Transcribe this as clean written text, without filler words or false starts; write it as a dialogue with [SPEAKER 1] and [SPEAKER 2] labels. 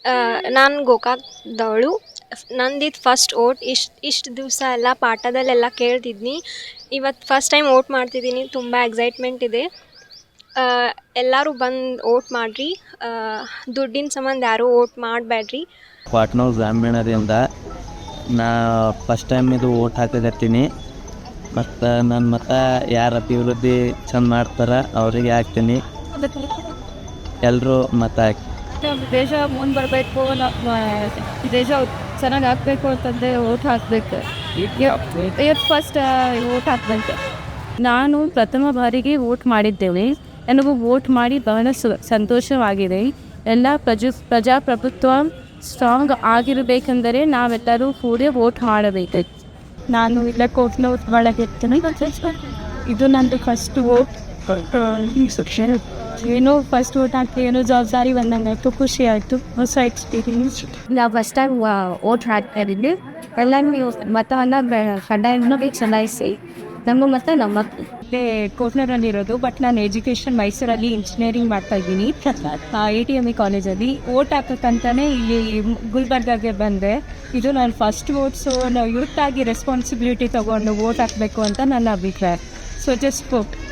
[SPEAKER 1] ನಾನು ಗೋಕಾಕ್ದವಳು. ನಂದಿದು first vote. ಇಷ್ಟು ದಿವಸ ಎಲ್ಲ ಪಾಠದಲ್ಲೆಲ್ಲ ಕೇಳ್ತಿದ್ನಿ. ಇವತ್ತು ಫಸ್ಟ್ ಟೈಮ್ ಓಟ್ ಮಾಡ್ತಿದ್ದೀನಿ. ತುಂಬ ಎಕ್ಸೈಟ್ಮೆಂಟ್ ಇದೆ. ಎಲ್ಲರೂ ಬಂದು ಓಟ್ ಮಾಡಿರಿ. ದುಡ್ಡಿನ ಸಂಬಂಧ ಯಾರೂ ಓಟ್ ಮಾಡಬೇಡ್ರಿ.
[SPEAKER 2] ಪಾಟ್ನೂರು ಗ್ರಾಮೀಣದಿಂದ ನಾ ಫಸ್ಟ್ ಟೈಮ್ ಇದು ಓಟ್ ಹಾಕಕತ್ತೀನಿ. ಮತ್ತು ನನ್ನ ಮತ ಯಾರು ಅಭಿವೃದ್ಧಿ ಚಂದ ಮಾಡ್ತಾರೆ ಅವರಿಗೆ ಹಾಕ್ತೀನಿ. ಎಲ್ಲರೂ ಮತ ಹಾಕಿ.
[SPEAKER 3] ದೇಶ ಮುಂದೆ ಬರಬೇಕು, ದೇಶ ಚೆನ್ನಾಗಿ ಆಗಬೇಕು ಅಂತಂದರೆ ಓಟ್ ಹಾಕಬೇಕು. ಇವತ್ತು ಫಸ್ಟ್ ಓಟ್ ಹಾಕಬೇಕು. ನಾನು ಪ್ರಥಮ ಬಾರಿಗೆ ವೋಟ್ ಮಾಡಿದ್ದೇನೆ. ನನಗೂ ವೋಟ್ ಮಾಡಿ ಬಹಳ ಸಂತೋಷವಾಗಿದೆ. ಎಲ್ಲ ಪ್ರಜಾಪ್ರಭುತ್ವ ಸ್ಟ್ರಾಂಗ್ ಆಗಿರಬೇಕೆಂದರೆ ನಾವೆಲ್ಲರೂ ಕೂಡ ವೋಟ್ ಮಾಡಬೇಕು. ನಾನು ಇಲ್ಲ ಕೋಟ್ನೋಟ್ ಒಳಗಿರ್ತೀನಿ. ಇದು ನಂದು ಫಸ್ಟ್ ವೋಟ್. ಏನೋ ಫಸ್ಟ್ ವೋಟ್ ಹಾಕಿ ಏನೋ ಜವಾಬ್ದಾರಿ ಬಂದಂಗಾಯ್ತು, ಖುಷಿ ಆಯಿತು, ಹೊಸ ಎಕ್ಸ್ಪೀರಿಯನ್ಸ್. ನಾವು ಫಸ್ಟ್ ಟೈಮ್ ವೋಟ್ ಹಾಕ್ತಾ ಇದ್ದೀವಿ. ಎಲ್ಲರೂ ಮತವನ್ನು ಕಡ್ಡಾಯವಾಗಿ ಚಲಾಯಿಸಿ. ನಮ್ಮ ಮತ ನಮ್ಮ ಕೋಟ್ನೂರಲ್ಲಿರೋದು. ಬಟ್ ನಾನು ಎಜುಕೇಷನ್ ಮೈಸೂರಲ್ಲಿ ಇಂಜಿನಿಯರಿಂಗ್ ಮಾಡ್ತಾ ಇದ್ದೀನಿ, ATME ಕಾಲೇಜಲ್ಲಿ. ವೋಟ್ ಹಾಕೋಕ್ಕಂತಾನೆ ಇಲ್ಲಿ ಗುಲ್ಬರ್ಗಾಗೆ ಬಂದೆ. ಇದು ನನ್ನ ಫಸ್ಟ್ ವೋಟ್. ಸೊ ನಾವು ಯೂತ್ ಆಗಿ ರೆಸ್ಪಾನ್ಸಿಬಿಲಿಟಿ ತೊಗೊಂಡು ವೋಟ್ ಹಾಕಬೇಕು ಅಂತ ನನ್ನ ಅಭಿಪ್ರಾಯ. So just vote.